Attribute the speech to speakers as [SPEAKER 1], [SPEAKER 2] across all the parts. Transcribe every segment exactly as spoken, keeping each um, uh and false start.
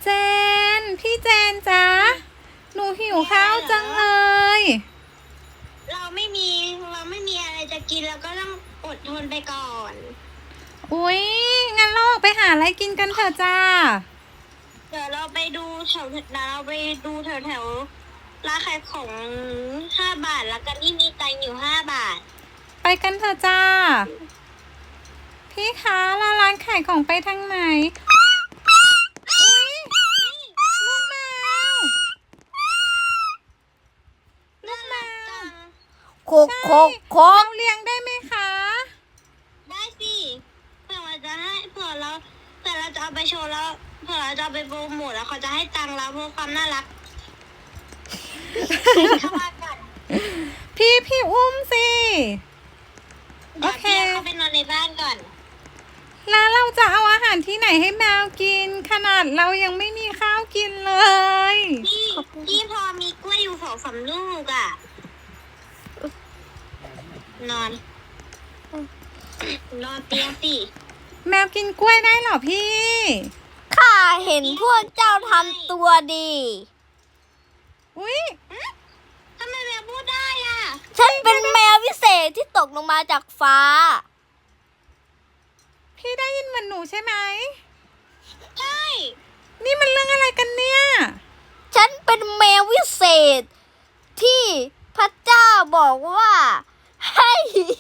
[SPEAKER 1] เจนพี่เจนจ๊ะหนูหิวข้าวจังเลย
[SPEAKER 2] เราไม่มีเราไม่มีอะไรจะกินเราก็ต้องอดทนไปก่อน
[SPEAKER 1] อุ๊ยงั้นเราออกไปหาอะไรกินกันเถอะจ้า
[SPEAKER 2] เดี๋ยวเราไปดูแถวเราไปดูแถวแถวร้านขายของห้าบาทแล้วกันที่มีตังค์อยู่ห้าบาท
[SPEAKER 1] ไปกันเถอะจ้าพี่คะร้านขายของไปทางไหนอุ๊ยลูกแมวลูกแมว
[SPEAKER 3] โคกโคกโคก
[SPEAKER 1] เราเลี้ยงได้ไหมคะ
[SPEAKER 2] ได้สิเผื่อเราจะให้เผื่อเราเผื่อเราจะเอาไปโชว์แล้วเผื่อเราจะเอาไปโปรโมทแล้วเขาจะให้ตังค์เราเพื่อความน่ารักเข้ามาก่อน
[SPEAKER 1] พี่พี่อุ้มสิ
[SPEAKER 2] โอเคเขาไปนอนในบ้านก่อน
[SPEAKER 1] แล้วเราจะเอาอาหารที่ไหนให้แมวกินขนาดเรายังไม่มีข้าวกินเลย
[SPEAKER 2] พี่พี่พอมีกล้วยอยู่สองสามลูกอ่ะนอนนอนเตียงสิ
[SPEAKER 1] แมวกินกล้วยได้เหรอพี่
[SPEAKER 3] ข้าเห็นพวกเจ้าทำตัวดี
[SPEAKER 1] อุ๊ย
[SPEAKER 2] ทำไมแมวพูดได้อ่ะ
[SPEAKER 3] ฉันเป็นแมววิเศษที่ตกลงมาจากฟ้า
[SPEAKER 1] พี่ได้ยินเหมือนหนูใช่ไหม
[SPEAKER 2] ใช่
[SPEAKER 1] นี่มันเรื่องอะไรกันเนี่ย
[SPEAKER 3] ฉันเป็นแมววิเศษที่พระเจ้าบอกว่าให้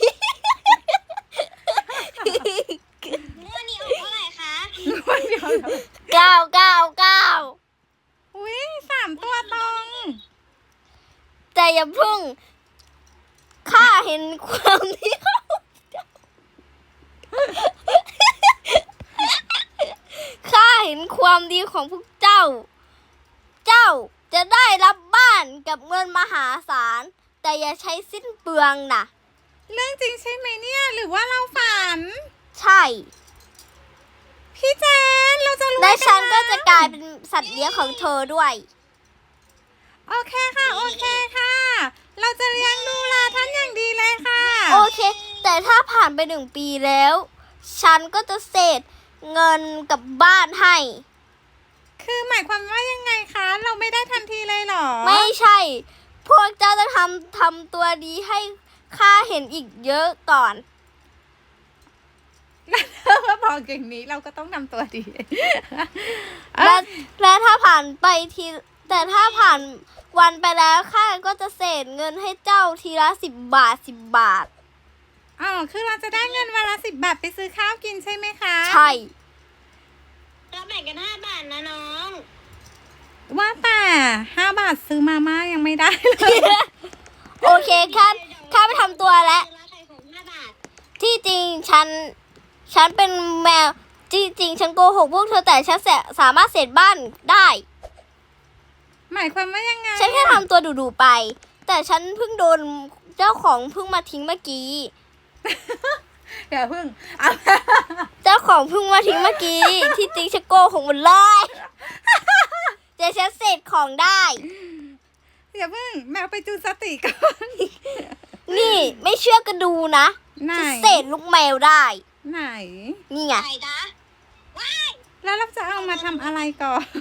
[SPEAKER 2] งวดนี้ออกเท่าไหร่คะ
[SPEAKER 3] เก้าเก้าเก้า
[SPEAKER 1] อุ้ยสามตัวตรง
[SPEAKER 3] แต่อย่าพึ่งข้าเห็นความที่เขาข้าเห็นความดีของพวกเจ้าเจ้าจะได้รับบ้านกับเงินมหาศาลแต่อย่าใช้สิ้นเปลืองนะ
[SPEAKER 1] เรื่องจริงใช่ไหมเนี่ยหรือว่าเราฝัน
[SPEAKER 3] ใช่
[SPEAKER 1] พี่เจนเราจะรู้
[SPEAKER 3] และฉันก็จะกลายเป็นสัตว์เลี้ยงของเธอด้วย
[SPEAKER 1] โอเคค่ะโอเคค่ะเราจะเลี้ยงดูแลท่านอย่างดีเลยค่ะ
[SPEAKER 3] โอเคแต่ถ้าผ่านไปหนึ่งปีแล้วฉันก็จะเศษเงินกับบ้านให้
[SPEAKER 1] คือหมายความว่ายังไงคะเราไม่ได้ทันทีเลยเหรอ
[SPEAKER 3] ไม่ใช่พวกเจ้าจะทำทำตัวดีให้ข้าเห็นอีกเยอะก่อน
[SPEAKER 1] แล้วถ้าบอกอย่างนี้เราก็ต้องทำตัวดี
[SPEAKER 3] และและถ้าผ่านไปทีแต่ถ้าผ่านวันไปแล้วข้าก็จะเศษเงินให้เจ้าทีละสิบบาทสิบบาท
[SPEAKER 1] อ๋อคือเราจะได้เงินวันละสิบบาทไปซื้อข้าวกินใช่ไหมคะ
[SPEAKER 3] ใช่
[SPEAKER 2] เราแบ่งกันห้าบาทนะน้อง
[SPEAKER 1] ว่าแต่ห้าบาทซื้อมาม่ายังไม่ได้เลย
[SPEAKER 3] โอเคข้าข้าไปทำตัวแล้วที่จริงฉันฉันเป็นแมวจริงๆฉันโกหกพวกเธอแต่ฉันสามารถเสร็จบ้านได้
[SPEAKER 1] หมายความว่ายังไง
[SPEAKER 3] ฉันแค่ทำตัวดุๆไปแต่ฉันเพิ่งโดนเจ้าของเพิ่งมาทิ้งเมื่อกี้
[SPEAKER 1] อย่าเพิ่ง
[SPEAKER 3] เจ้าของเพิ่งมาทิ้งเมื่อกี้ที่จริงฉันโกหกหมดเลยแต่ฉันเสร็จของได้
[SPEAKER 1] อย่าเพิ่งแมวไปจูสติก่อน
[SPEAKER 3] นี่ไม่เชื่อก็ดูนะฉันเสร็จลูกแมวได้
[SPEAKER 1] ไหน
[SPEAKER 3] นี่ไง
[SPEAKER 1] แล้วเราจะเอามาทำอะไรก่อน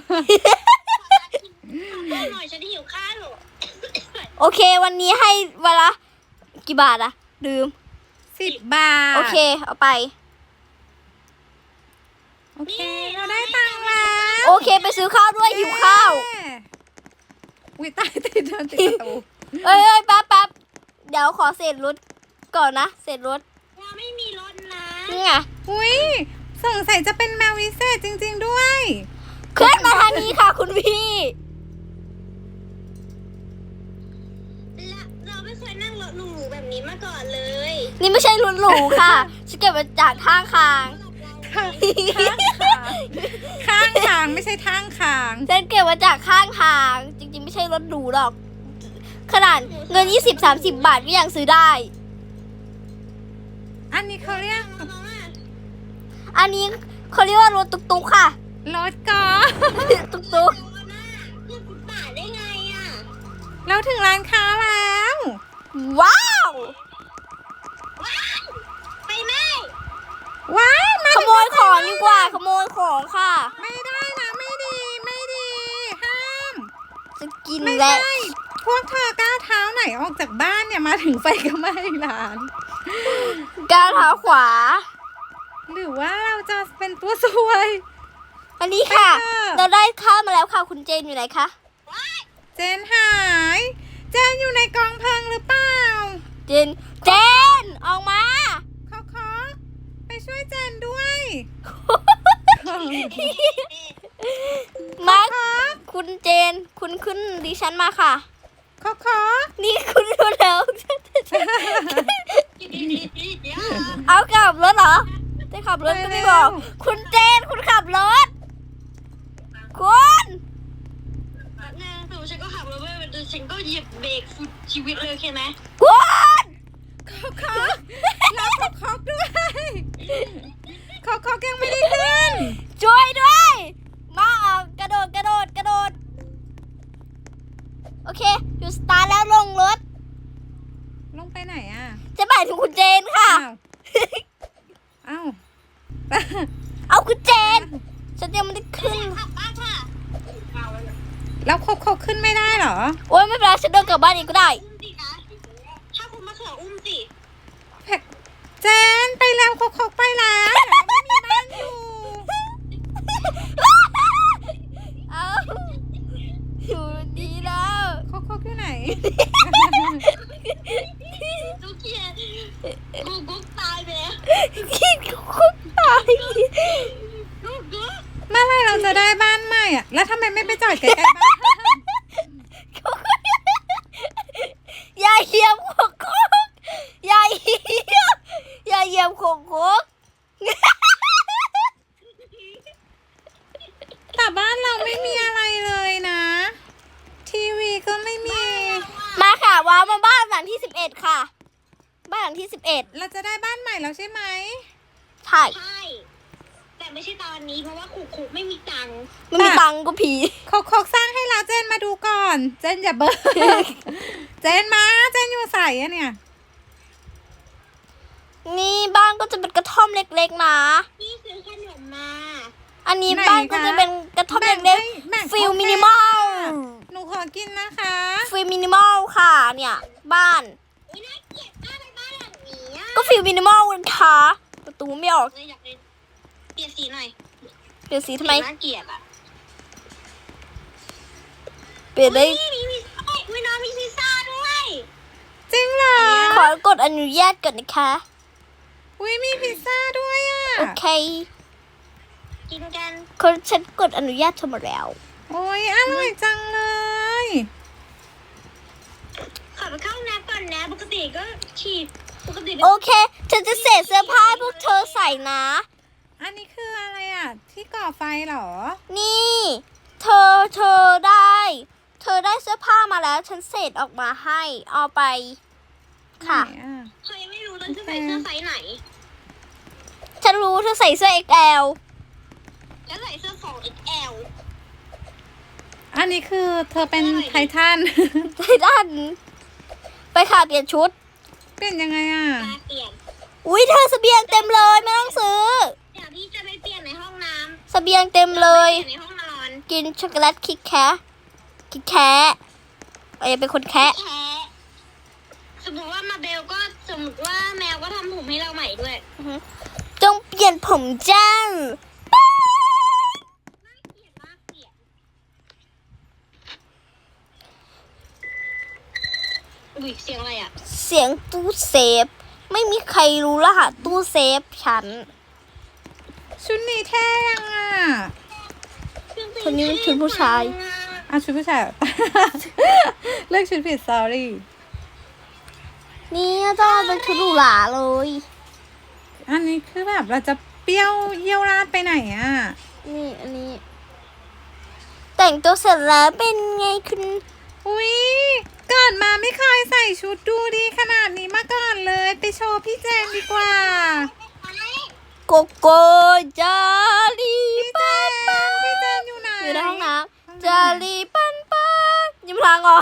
[SPEAKER 2] หน่อยฉันหิวข้าว
[SPEAKER 3] โอเควันนี้ให้เวลากี่บาทอะลืม
[SPEAKER 1] สิบบาท
[SPEAKER 3] โอเคเอาไป
[SPEAKER 1] โอเคเราได้ตังค์แล้ว
[SPEAKER 3] โอเคไปซื้อข้าวด้วยหิวข้าว
[SPEAKER 1] วิตายติดเดินติดประตู
[SPEAKER 3] เอ้ยเอ้ยแป๊บแป๊บเดี๋ยวขอเศษรถก่อนนะเศษรถ
[SPEAKER 2] ว่าไม่มีรถนะ
[SPEAKER 3] นี่ไง
[SPEAKER 1] อุ้ยสงสัยจะเป็นแมววิเศษจริงๆด้วย
[SPEAKER 3] ขึ้นมาทางนี้ค่ะคุณพี่
[SPEAKER 2] เราไม่เคยนั่งรถหรูๆแบบนี้มาก่อนเลย
[SPEAKER 3] นี่ไม่ใช่รถหรูค่ะฉันเก็บมาจากข้างทาง
[SPEAKER 1] ข้างข้างทางไม่ใช่ทางทาง
[SPEAKER 3] ฉันเก็บมาจากข้างทางจริงๆไม่ใช่รถหรูหรอกขนาดเงินยี่สิบสามสิบบาทก็ยังซื้อได้
[SPEAKER 1] อันนี้เขาเรียก
[SPEAKER 3] อันนี้เขาเรียกว่ารถตุ๊กๆค่ะ
[SPEAKER 1] รถก็
[SPEAKER 3] ตุ๊ก
[SPEAKER 2] ๆบาทได้ไงอ่ะ
[SPEAKER 1] เราถึงร้านค้าแล้ว
[SPEAKER 3] ว้าว
[SPEAKER 2] ไปแม่
[SPEAKER 1] ว้าว
[SPEAKER 3] ขโมยของดีกว่าขโมยของค่ะ
[SPEAKER 1] ไม่ได้นะไม่ดีไม่
[SPEAKER 3] กิน
[SPEAKER 1] ไม่
[SPEAKER 3] และ
[SPEAKER 1] ใช่ พวกเธอก้าวเท้าไหนออกจากบ้านเนี่ยมาถึงไฟก็ไหม้ร้าน
[SPEAKER 3] ก้าวเท้าขวา
[SPEAKER 1] หรือว่าเราจะเป็นตัวซวย
[SPEAKER 3] อันนี้ค่ะ
[SPEAKER 1] ไปค่ะ
[SPEAKER 3] เราได้ข้าวมาแล้วค่ะคุณเจนอยู่ไหนคะ
[SPEAKER 1] เจนหาย เจนอยู่ในกองเพลิงหรือเปล่า
[SPEAKER 3] เจน เจน ออกมา
[SPEAKER 1] ขอขอไปช่วยเจนด้วย
[SPEAKER 3] มาคุณเจน คุณขึ้นดิฉันมาค่ะ
[SPEAKER 1] ขอขอ
[SPEAKER 3] นี่คุณดูแล้ว เอากลับรถเหรอ จะขับรถก็ไม่บอก คุณเจน คุณขับรถ คุณ
[SPEAKER 2] นางตู่ฉันก็ขับรถไปฉันก็เหยียบเบรกสุดชีวิตเลยโอเคไหม
[SPEAKER 3] คุณ
[SPEAKER 1] ขอขอเราขอขอด้วย ขอขอยังไม่ได้ขึ้น
[SPEAKER 3] ช่วยด้วย มาออกกระโดดกระโดดกระโดด โอเค อยู่สตาร์ทแล้วลงรถ
[SPEAKER 1] ลงไปไหนอ่ะ
[SPEAKER 3] จะหมายถึงคุณเจนค่ะ
[SPEAKER 1] อ้าว
[SPEAKER 3] เอาคุณเจน ฉันยังไม่ได้ขึ้น
[SPEAKER 2] ขับบ้านค่ะ
[SPEAKER 1] แล้วขอขอขึ้นไม่ได้เหรอ
[SPEAKER 3] โอ๊ยไม่เป็นไรฉันเดินกลับบ้านเองก็ได้
[SPEAKER 2] อุ้มสิคะถ้าคุณมาเขืออุ้มสิ
[SPEAKER 1] เจนไปแล้วขอขอไปแล้วไม่มีบ้านอยู่
[SPEAKER 3] เอาอยู่ดีแล้ว
[SPEAKER 1] ขอขออยู่ไหน
[SPEAKER 2] ทุกเกียร์กูกุ๊กตายไปแล้ว
[SPEAKER 3] คิดคุกตาย
[SPEAKER 2] กูกุ๊ก
[SPEAKER 1] เมื่อไหรเราจะได้บ้านใหม่อ่ะ แล้วทำไมไม่ไปจอดใกล้ๆบ้าน
[SPEAKER 3] อย่าเหยียบโคกโคกอย่าเหยียบอย่าเหยียบโคกโคก
[SPEAKER 1] แต่บ้านเราไม่มีอะไรเลยนะ ทีวีก็ไม่มี
[SPEAKER 3] มาค่ะว้าวมาบ้านหลังที่สิบเอ็ดค่ะ บ้านหลังที่สิบเอ็ด
[SPEAKER 1] เราจะได้บ้านใหม่แล้วใช่ไหม
[SPEAKER 3] ใช่
[SPEAKER 2] ใช่ แต่ไม่ใช่ตอนนี้เพราะว่าคุกคุกไม่มีตังค์
[SPEAKER 3] ไม่มีตังค์ก็ผี
[SPEAKER 1] ขอขอสร้างให้เราเจนมาดูก่อน เจนอย่าเบิก เจนมา เจนอยู่ใส่อะเนี่ย
[SPEAKER 3] นี่บ้านก็จะเป็นกระท่อมเล็กๆนะ
[SPEAKER 2] พี่ซื้อขนมมา
[SPEAKER 3] อันนี้
[SPEAKER 1] ไหน
[SPEAKER 3] บ้านก็
[SPEAKER 1] คะ
[SPEAKER 3] จะเป็นกระท่อม
[SPEAKER 1] แบ่ง
[SPEAKER 3] เล็ก
[SPEAKER 1] ให้แบ่ง
[SPEAKER 3] ๆฟิล
[SPEAKER 1] เขา
[SPEAKER 3] มินิมอล
[SPEAKER 1] หนูขอกินนะคะ
[SPEAKER 3] ฟิลมินิมอลค่ะ เนี่ย บ้าน
[SPEAKER 2] อุ้ยน่าเกลียดมากเลยบ้านหลังนี้อะ
[SPEAKER 3] ก็ฟิลมินิมอลนะคะประตูไม่ออก
[SPEAKER 2] เลยอยากเลยเปลี่ยนสีหน่อย
[SPEAKER 3] เปลี่ยนสีทำไม
[SPEAKER 2] น่าเกลียดอ่ะ
[SPEAKER 3] เปลี่ยนได้
[SPEAKER 2] อุ้ยมีมีอุ้ยน้องมีพิซซ่าด้วย
[SPEAKER 1] จริงเหรอ
[SPEAKER 3] ขอกดอนุญาตก่อนนะคะ
[SPEAKER 1] อุ้ยมีพิซซ่าด้วยอ่ะ
[SPEAKER 3] โอเค
[SPEAKER 2] กินกัน
[SPEAKER 3] คนฉันกดอนุญาตเธอหมดแล้ว
[SPEAKER 1] โอ้ยอร่อยจังเลย
[SPEAKER 2] ขอไปเข้าห้องน้ำก่อนนะ ปกติก็ฉีด ปกติ
[SPEAKER 3] โอเค ฉันจะเสษเสื้อผ้าให้พวกเธอใส่นะ
[SPEAKER 1] อันนี้คืออะไรอ่ะ ที่ก่อไฟเหรอ
[SPEAKER 3] นี่ เธอ เธอได้ เธอได้เสื้อผ้ามาแล้ว ฉันเศษออกมาให้ เอาไป ค่ะ
[SPEAKER 1] ไหนอ่ะ
[SPEAKER 2] เธอยังไม่รู้เลยจะใส่เสื้อไซส์ไหน
[SPEAKER 3] ฉันรู้เธอใส่เสื้อ เอ็กซ์ แอล
[SPEAKER 2] แล้วใส่เสื้อสอง เอ็กซ์ แอล
[SPEAKER 1] อันนี้คือเธอเป็นไททัน
[SPEAKER 3] ใส่ด้าน ไปค่ะเปลี่ยนชุด
[SPEAKER 1] เปลี่ยนยังไงอ่ะ
[SPEAKER 2] มาเปลี่ยน
[SPEAKER 3] อุ้ยเธอเสบียงเต็มเลยไม่ต้องซื้อ
[SPEAKER 2] เดี๋ยวพี่จะไปเปลี่ยนในห้องน้ำ
[SPEAKER 3] เสบียงเต็มเลย
[SPEAKER 2] ปนในห้องนอน
[SPEAKER 3] กินช็อกโกแลตคิกแคะคิกแคะเอาอย่าเป็นคนแคะ
[SPEAKER 2] แค่สมมติว่ามาเบลก็สมมติว่าแมวก็ทำผมให้เราใหม่ด้วย
[SPEAKER 3] จงเปลี่ยนผมจ้า
[SPEAKER 2] น่าเกลียดมากเกลียดอุ้ยเสียงอะไรอ่ะ
[SPEAKER 3] เสียงตู้เซฟ ไม่มีใครรู้รหัสตู้เซฟฉัน
[SPEAKER 1] ชุดนี้แท้ยังอ่ะ
[SPEAKER 3] คนนี้เป็นชุดผู้ชาย
[SPEAKER 1] อ่ะชุดผู้ชายเหรอ เลือกชุดผิด sorry
[SPEAKER 3] นี่ต้องเอาเป็นชุดหรูหราเลย
[SPEAKER 1] อันนี้คือแบบเราจะเปรี้ยวเยี่ยวราดไปไหนอ่ะ
[SPEAKER 3] นี่อันนี้ แต่งตัวเสร็จแล้วเป็นไงคุณ
[SPEAKER 1] อุ้ยเกิดมาไม่เคยใส่ชุดดูดีขนาดนี้มาก่อนเลย ไปโชว์พี่แจนดีกว่า
[SPEAKER 3] โกโก้จาลี
[SPEAKER 1] พี่แจ
[SPEAKER 3] ปัน
[SPEAKER 1] น
[SPEAKER 3] ปัน
[SPEAKER 1] พี่แจนอยู่ไหน
[SPEAKER 3] อยู่ในห้องน้ำจาลีปันปันยิ้มพลางออก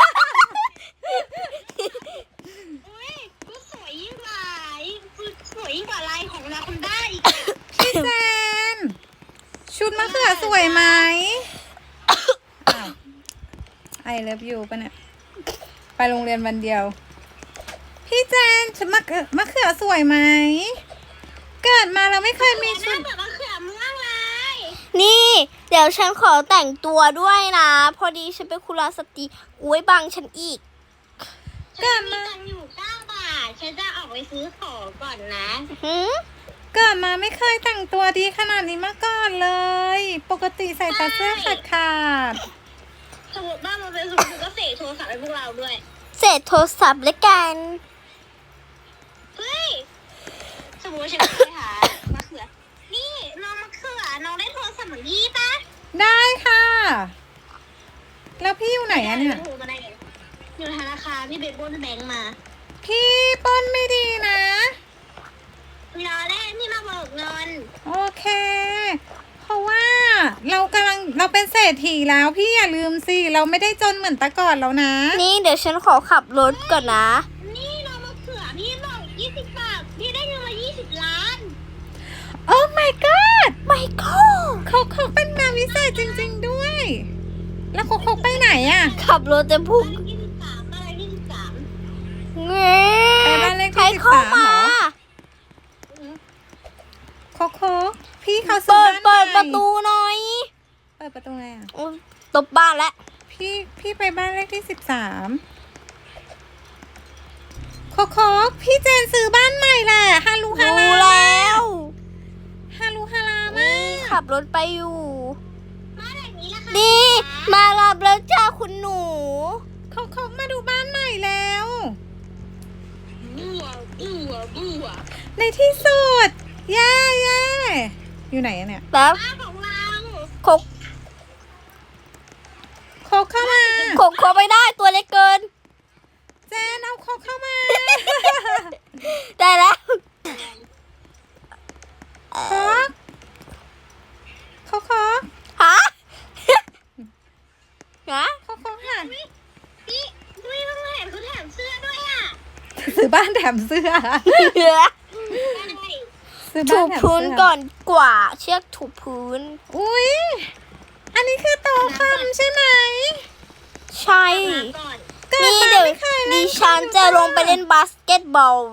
[SPEAKER 2] อุ้ยก็สวยยิ่งกว่าสวยยิ่งกว่าลายของนาคอนด้าอีก
[SPEAKER 1] พี่แจนชุดมะเขือสวยไหมอ้าว I love you ปะเนี่ย ไปโรงเรียนวันเดียว พี่แจนฉันมะเขือมะเขือสวยไหม เกิดมาเราไม่เคยมี
[SPEAKER 2] ห
[SPEAKER 1] ชุ
[SPEAKER 2] น้า
[SPEAKER 1] ด
[SPEAKER 2] แบบมะเขือม่วงเลย
[SPEAKER 3] นี่ เดี๋ยวฉันขอแต่งตัวด้วยนะ พอดีฉันเป็นคุลาสตรีอุ้ยบังฉันอีก
[SPEAKER 2] ฉันมีตังค์อยู่เก้าบาท ฉันจะออกไปซื้อของก่อนนะ
[SPEAKER 3] หืม
[SPEAKER 1] เกิดมาไม่เคยแต่งตัวดีขนาดนี้มาก่อนเลย ปกติใส่แต่เสื้อขาดขาด
[SPEAKER 2] สมมติว่ามันเป็นสมมติก็เสกโทรศัพท์ให้พวกเราด้วย
[SPEAKER 3] เศษโทรศัพท์แล้วกัน
[SPEAKER 2] เฮ้ย สมมติว่าฉันไปหามะเขือ นี่น้องมะเขือ น้องได้โทรศัพท์เหมือนพี่ปะ
[SPEAKER 1] ได้ค่ะ แล้วพี่อยู่ไหนอะเนี่ย
[SPEAKER 2] โทรมาได้ไงอยู่ธนาคารพี่เบสบนแบงค์มา
[SPEAKER 1] พี่ปล้นไม่ดีนะ
[SPEAKER 2] รอเล่นพี่มาเบิกเงิน
[SPEAKER 1] โอเค เพราะว่าเรากำลังเราเป็นเศรษฐีแล้วพี่อย่าลืมสิ เราไม่ได้จนเหมือนแต่ก่อนแล้วนะ
[SPEAKER 3] นี่เดี๋ยวฉันขอขับรถก่อนนะ
[SPEAKER 2] นี่น้องมะเขือพี่บอกยี่สิบบาท พี่ได้เงินมายี่สิบล้าน
[SPEAKER 1] โอ้ my god
[SPEAKER 3] ไม่ก็
[SPEAKER 1] เขาเขาเป็นงานวิเศษจริงๆด้วย แล้วเขาเขาไปไหนอะ
[SPEAKER 3] ขับรถจะพุ่ง
[SPEAKER 2] บ้านยี่สิบสามบ้านยี่สิบสาม
[SPEAKER 3] เงี้
[SPEAKER 1] ไปบ้านเลข
[SPEAKER 3] ใคร
[SPEAKER 1] ที่สิบ
[SPEAKER 3] เข้า
[SPEAKER 1] สามเหร
[SPEAKER 3] มา
[SPEAKER 1] อ โคโคพี่เขาซื้
[SPEAKER 3] เปิ
[SPEAKER 1] อ
[SPEAKER 3] ด
[SPEAKER 1] บ้าน
[SPEAKER 3] เปิด
[SPEAKER 1] ใหม่
[SPEAKER 3] ประตูหน่อย
[SPEAKER 1] เปิดประตูไงอะ
[SPEAKER 3] อุ๊ยตบบ้านแล้ว
[SPEAKER 1] พี่พี่ไปบ้านเลขที่สิบสามโคโคพี่เจนซื้อบ้านใหม่แหละฮารุฮา
[SPEAKER 3] รู้
[SPEAKER 1] รา
[SPEAKER 3] แล้ว
[SPEAKER 1] ฮารุฮารามาก
[SPEAKER 3] ขับรถไปอยู่
[SPEAKER 2] บ้านหลังนี้ราคา
[SPEAKER 3] นี่ มารับแล้วจ้าคุณหนู
[SPEAKER 1] โคโคมาดูบ้านใหม่แล้ว
[SPEAKER 2] บัวบัวบัว
[SPEAKER 1] ในที่สุดเย้เย้อยู่ไหนอะเนี่ย
[SPEAKER 3] แป๊บ
[SPEAKER 2] บ้านของเรา
[SPEAKER 3] ขก
[SPEAKER 1] โคกเข้ามา
[SPEAKER 3] ขกเขาไม่ได้ตัวเล็กเกิน
[SPEAKER 1] เจนเอาโคกเข้ามา
[SPEAKER 3] ได้แล้ว
[SPEAKER 1] โคกโคกโคก
[SPEAKER 3] ฮะ ฮะ
[SPEAKER 1] โคกโคกค่ะ
[SPEAKER 2] พี่พี่เพิ่งเห็นเขาแถมเสื้อด้วยอ่ะ
[SPEAKER 1] ซื้อบ้านแถมเสื้อ
[SPEAKER 2] ใช่
[SPEAKER 1] ซื้อ
[SPEAKER 3] ถู
[SPEAKER 1] บ้าน
[SPEAKER 3] ก
[SPEAKER 1] แถม
[SPEAKER 3] พื้น
[SPEAKER 1] เสื้อ
[SPEAKER 3] ก่อนกว่า เชือกถูกพื้น
[SPEAKER 1] อุ้ยอันนี้คือโตคำใช่ไหม
[SPEAKER 3] ใช่
[SPEAKER 2] มาก่อน
[SPEAKER 1] เกิด
[SPEAKER 3] นี่
[SPEAKER 1] มา
[SPEAKER 3] เดี๋ยว
[SPEAKER 1] ไม่เคยเล่
[SPEAKER 3] ดิ
[SPEAKER 1] น
[SPEAKER 3] ฉันจะลงไปเล่น
[SPEAKER 1] คอมพิวตอร์
[SPEAKER 3] บาสเกตบอล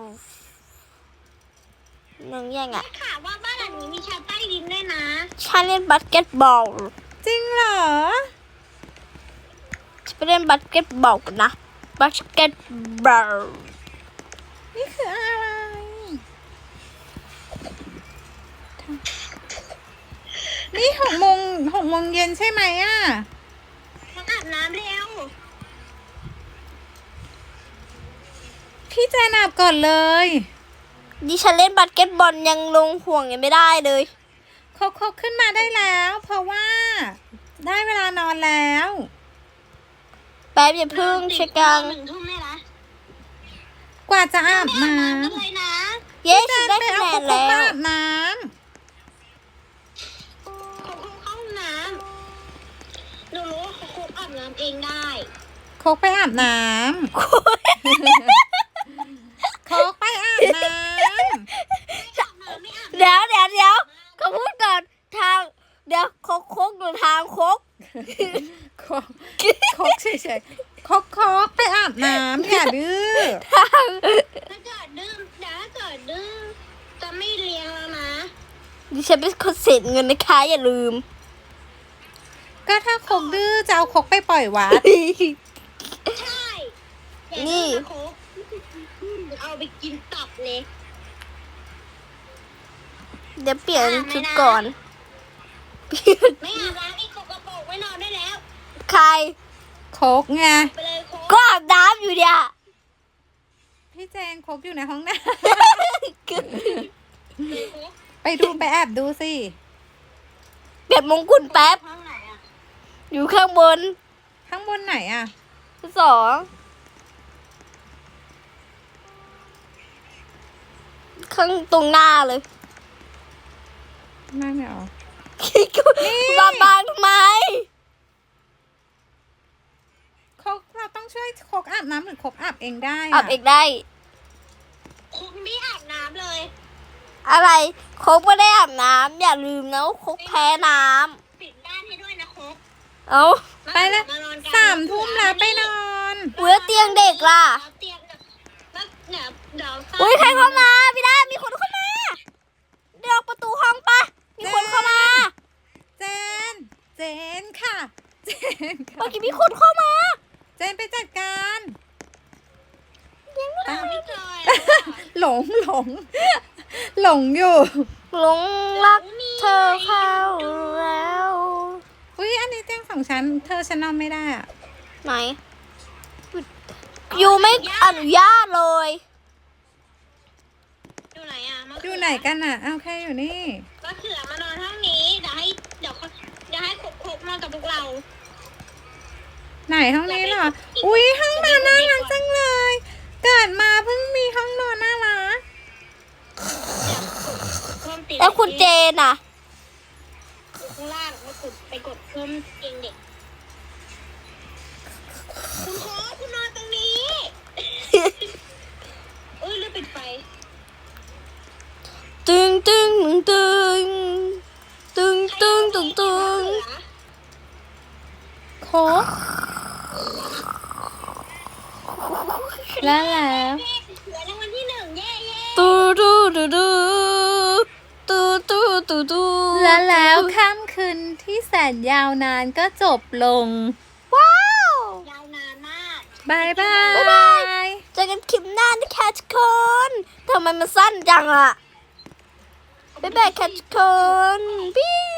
[SPEAKER 3] นึงยังไง
[SPEAKER 2] ได้ข่าวว่าบ้านหลังนี้มีชั้นใต้ดินด้วยนะ
[SPEAKER 3] ฉันเล่นบาสเกตบอล
[SPEAKER 1] จริงเหรอ
[SPEAKER 3] จะไปเล่นบาสเกตบอลกันนะ บาสเกตบอล
[SPEAKER 1] นี่คืออะไร นี่หกโมงหกโมงเย็นใช่ไหมอ่ะ
[SPEAKER 2] มาอาบน้ำเร็ว
[SPEAKER 1] พี่แจนอาบก่อนเลย
[SPEAKER 3] ดิฉันเล่นบาสเกตบอลยังลงห่วงยังไม่ได้เลย
[SPEAKER 1] โคกโคกขึ้นมาได้แล้ว เพราะว่าได้เวลานอนแล้ว
[SPEAKER 3] แป๊บอย่าเพึ่งเช็คกัง
[SPEAKER 2] หนึ่งทุ่มเลยนะ
[SPEAKER 1] กว่าจะอาบ
[SPEAKER 2] ไม่
[SPEAKER 1] น้
[SPEAKER 2] อาบน้ำเลยนะ
[SPEAKER 1] ำ
[SPEAKER 3] เย้
[SPEAKER 1] พี่แจ
[SPEAKER 3] ฉัน
[SPEAKER 1] น
[SPEAKER 3] ได้
[SPEAKER 1] ไป
[SPEAKER 3] คะ
[SPEAKER 1] เอา
[SPEAKER 3] แน
[SPEAKER 1] โคน กโคก
[SPEAKER 3] แล้
[SPEAKER 1] มาว อาบน้
[SPEAKER 2] เขาคงเข้าห้องน้ำหนูรู้ว่าเขาคงอาบน้ำเองได้
[SPEAKER 1] ำโคกไปอาบน้ำโคกไปอาบน้
[SPEAKER 2] อาบน้ำไม่อาบ
[SPEAKER 3] เดี๋ยวเดี๋ยวเดี๋ยวเขาพูดก่อนทาง เดี๋ยวโคกโคกหรือทางโคก
[SPEAKER 1] ำโคกโคกเฉยๆโคกโคกไปอาบน้ำอย่าดื้อ
[SPEAKER 2] ถ้าเกิดดื้อเดี๋ยวถ้าเกิดดื้อจะไม่เลี้ยงแล้วนะ
[SPEAKER 3] ดิฉันเป็นคนเสียเงินนะคะอย่าลืม
[SPEAKER 1] ก็ถ้าโคกดื้อจะเอาโคกไปปล่อยวัด
[SPEAKER 2] ใช่อย่า
[SPEAKER 3] นี่
[SPEAKER 2] ดื้อนะโค้กเอาไปกินตับเลย
[SPEAKER 3] เดี๋ยวเปลี่ยนชุดก่อน เปลี่ยน
[SPEAKER 2] ไม่อาบน้ำอีกโคกกระโปรงไว้นอนได้แล้ว
[SPEAKER 3] ใคร
[SPEAKER 1] โคกไง
[SPEAKER 2] ไปเลยโค้ก
[SPEAKER 3] ก็อาบน้ำอยู่เนี่ย
[SPEAKER 1] พี่แจงโคกอยู่ในห้องน้
[SPEAKER 2] เลยโค้ก
[SPEAKER 1] ำไปดูไปแอบดูสิ
[SPEAKER 3] เปลี่ยนมงกุฎแป๊บ
[SPEAKER 2] ห้องไหนอ่ะ
[SPEAKER 3] อยู่ข้างบน
[SPEAKER 1] ข้างบนไหนอ่ะ
[SPEAKER 3] สองข้างตรงหน้าเลย
[SPEAKER 1] ไม่ไม่ออก
[SPEAKER 3] บาบางทำไม
[SPEAKER 1] โคกเราต้องช่วยโคกอาบน้ำหรือโคกอาบเองได้ะ
[SPEAKER 3] อาบเองได้
[SPEAKER 2] โค้กไม่อาบน้ำเลย
[SPEAKER 3] อะไรโคกไม่ได้อาบน้ำอย่าลืมนะว่าโคกแพ้น้
[SPEAKER 2] ปิดบ้านให้ด้วยนะโค้ก
[SPEAKER 3] ำเอา
[SPEAKER 1] ไปแล้ว
[SPEAKER 2] มานอน
[SPEAKER 1] สามทุ่มแล้วไปนอน
[SPEAKER 3] อุ้ยแล้วเตียงเด็กล่ะ
[SPEAKER 2] เตียงแบบแล้วเดี๋ยวเดี๋ยว
[SPEAKER 3] อุ้ยใครเข้ามาพี่ดามีคนเข้ามาเดี๋ยวประตูห้องปะมีคนเข้ามา
[SPEAKER 1] เจน เจนค่ะ เจนค่ะ
[SPEAKER 3] เมื่อกี้มีคนเข้ามา
[SPEAKER 1] เจนไปจัดการอ้าว
[SPEAKER 2] ไม่เคย
[SPEAKER 1] หลงหลง หลงอยู่
[SPEAKER 3] หลงรักเธอเข้าแล้ว
[SPEAKER 1] อุ้ยอันนี้เตียงสองชั้น เธอฉันนอนไม่ได้อ่ะ
[SPEAKER 3] ไหนอยู่ไม่อนุญาตเลย
[SPEAKER 2] อยู่ไหนอ่ะมะ
[SPEAKER 1] อ
[SPEAKER 2] เขื
[SPEAKER 1] ยู่ไหนกันอ่ะเอาแค่อยู่นี่
[SPEAKER 2] มะเขือมานอนห้องนี้เดี๋ยวให้เดี๋ยวเขาเดี๋ยวให้ครบครบนอนกับพวกเรา
[SPEAKER 1] ไหนห้องนี้เหรอ อุ้ยห้องนอนน่ารักจังเลย เกิดมาเพิ่งมีห้องนอนน่ารัก
[SPEAKER 2] เพิ่มตี
[SPEAKER 3] แล้วคุณเจนอ่ะ
[SPEAKER 2] อยู่ข้างล่างมากดไปกดเพิ่มเตียงเด็กคุณโค้ชคุณนอนตรงนี้เอ้ยลืมปิดไฟ
[SPEAKER 3] ตึงตึงตึงตึงตึงตึงตึง
[SPEAKER 1] โคกแล้วแล้ว
[SPEAKER 2] เหลือรางวัลที่หนึ่งเย่เย่
[SPEAKER 3] ตูดูดูดูตูตูตูตู
[SPEAKER 1] แล้วแล้วค่ำคืนที่แสนยาวนานก็จบลง
[SPEAKER 3] ว้าว
[SPEAKER 2] ยาวนานมาก
[SPEAKER 1] บายบาย
[SPEAKER 3] บ๊ายบาย เจอกันคลิปหน้านะคะทุกคนทำไมมันสั้นจังอ่ะบ๊ายบายค่ะทุกคนปิ้ว